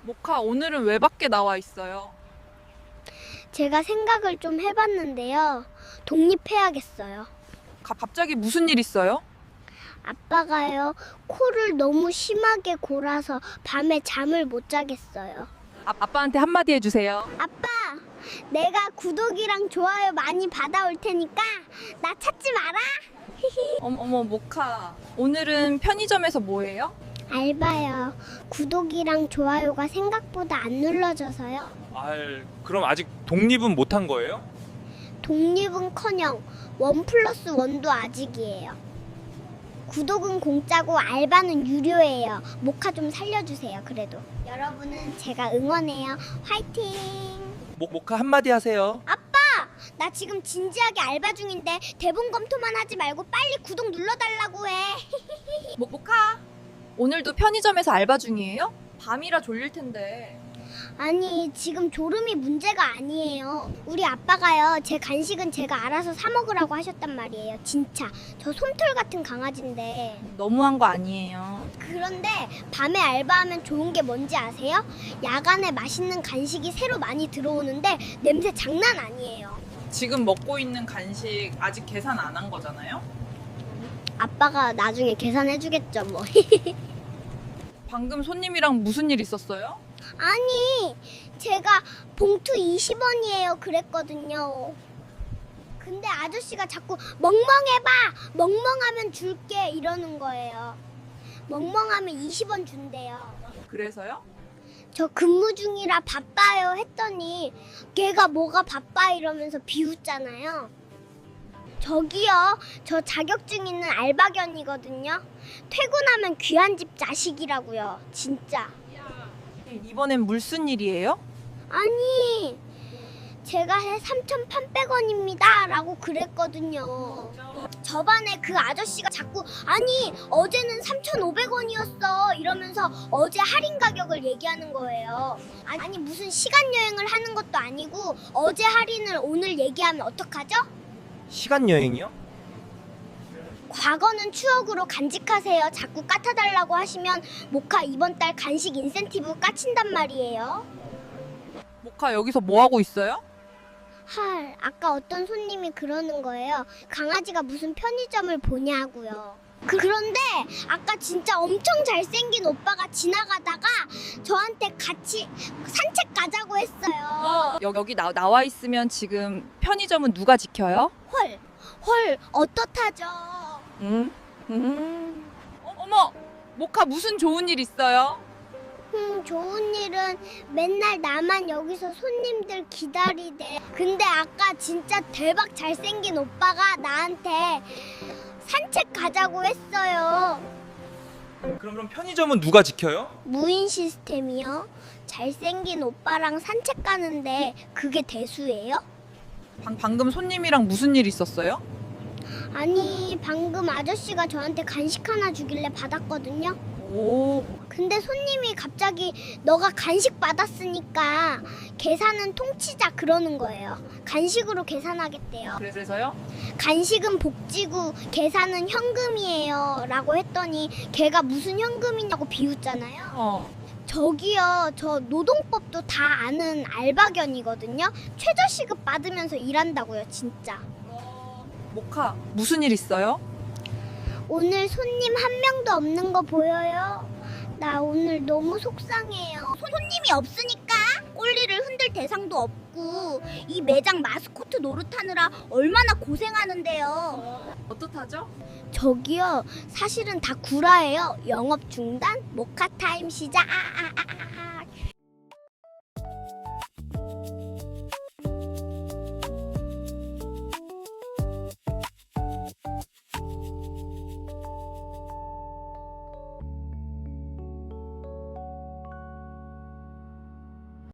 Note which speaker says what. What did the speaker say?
Speaker 1: 모카, 오늘은 왜 밖에 나와 있어요?
Speaker 2: 제가 생각을 좀 해봤는데요. 독립해야겠어요.
Speaker 1: 갑자기 무슨 일 있어요?
Speaker 2: 아빠가요, 코를 너무 심하게 골아서 밤에 잠을 못 자겠어요.
Speaker 1: 아빠한테 한마디 해주세요.
Speaker 2: 아빠, 내가 구독이랑 좋아요 많이 받아올 테니까 나 찾지 마라.
Speaker 1: 어머, 모카. 오늘은 편의점에서 뭐 해요?
Speaker 2: 알바요. 구독이랑 좋아요가 생각보다 안 눌러져서요.
Speaker 3: 그럼 아직 독립은 못한 거예요?
Speaker 2: 독립은커녕 1+1도 아직이에요. 구독은 공짜고 알바는 유료예요. 모카 좀 살려주세요. 그래도 여러분은 제가 응원해요. 화이팅!
Speaker 3: 모카 한마디 하세요.
Speaker 2: 아빠! 나 지금 진지하게 알바 중인데 대본 검토만 하지 말고 빨리 구독 눌러달라고 해.
Speaker 1: 모카, 오늘도 편의점에서 알바 중이에요? 밤이라 졸릴 텐데.
Speaker 2: 아니, 지금 졸음이 문제가 아니에요. 우리 아빠가요, 제 간식은 제가 알아서 사 먹으라고 하셨단 말이에요. 진짜 저 솜털 같은 강아지인데.
Speaker 1: 너무한 거 아니에요.
Speaker 2: 그런데 밤에 알바하면 좋은 게 뭔지 아세요? 야간에 맛있는 간식이 새로 많이 들어오는데 냄새 장난 아니에요.
Speaker 1: 지금 먹고 있는 간식 아직 계산 안 한 거잖아요?
Speaker 2: 아빠가 나중에 계산해주겠죠 뭐.
Speaker 1: 방금 손님이랑 무슨 일 있었어요?
Speaker 2: 아니, 제가 봉투 20원이에요 그랬거든요. 근데 아저씨가 자꾸 멍멍해봐, 멍멍하면 줄게 이러는 거예요. 멍멍하면 20원 준대요.
Speaker 1: 그래서요?
Speaker 2: 저 근무 중이라 바빠요 했더니 걔가 뭐가 바빠 이러면서 비웃잖아요. 저기요, 저 자격증 있는 알바견이거든요. 퇴근하면 귀한 집 자식이라고요. 진짜.
Speaker 1: 이번엔 무슨 일이에요?
Speaker 2: 아니, 제가 해 3,800원입니다 라고 그랬거든요. 저번에 그 아저씨가 자꾸 아니 어제는 3,500원이었어 이러면서 어제 할인 가격을 얘기하는 거예요. 아니 무슨 시간 여행을 하는 것도 아니고 어제 할인을 오늘 얘기하면 어떡하죠?
Speaker 3: 시간 여행이요?
Speaker 2: 과거는 추억으로 간직하세요. 자꾸 까타달라고 하시면 모카 이번 달 간식 인센티브 까친단 말이에요.
Speaker 1: 모카, 여기서 뭐 하고 있어요?
Speaker 2: 헐, 아까 어떤 손님이 그러는 거예요. 강아지가 무슨 편의점을 보냐고요. 그런데 아까 진짜 엄청 잘생긴 오빠가 지나가다가 저한테 같이 산책 가자고 했어요.
Speaker 1: 여기 나와 있으면 지금 편의점은 누가 지켜요?
Speaker 2: 헐, 어떻하죠?
Speaker 1: 어머, 모카, 무슨 좋은 일 있어요?
Speaker 2: 좋은 일은 맨날 나만 여기서 손님들 기다리대. 근데 아까 진짜 대박 잘생긴 오빠가 나한테 산책 가자고 했어요.
Speaker 3: 그럼 편의점은 누가 지켜요?
Speaker 2: 무인 시스템이요? 잘생긴 오빠랑 산책 가는데 그게 대수예요?
Speaker 1: 방금 손님이랑 무슨 일 있었어요?
Speaker 2: 아니, 방금 아저씨가 저한테 간식 하나 주길래 받았거든요.
Speaker 1: 오,
Speaker 2: 근데 손님이 갑자기 너가 간식 받았으니까 계산은 통치자 그러는 거예요. 간식으로 계산하겠대요.
Speaker 1: 그래서요?
Speaker 2: 간식은 복지고 계산은 현금이에요 라고 했더니 걔가 무슨 현금이냐고 비웃잖아요. 저기요, 저 노동법도 다 아는 알바견이거든요. 최저시급 받으면서 일한다고요, 진짜.
Speaker 1: 모카, 무슨 일 있어요?
Speaker 2: 오늘 손님 한 명도 없는 거 보여요? 나 오늘 너무 속상해요. 손님이 없으니까 꼴리를 흔들 대상도 없고 이 매장 마스코트 노릇하느라 얼마나 고생하는데요.
Speaker 1: 어떻하죠?
Speaker 2: 저기요, 사실은 다 구라예요. 영업 중단, 모카 타임 시작.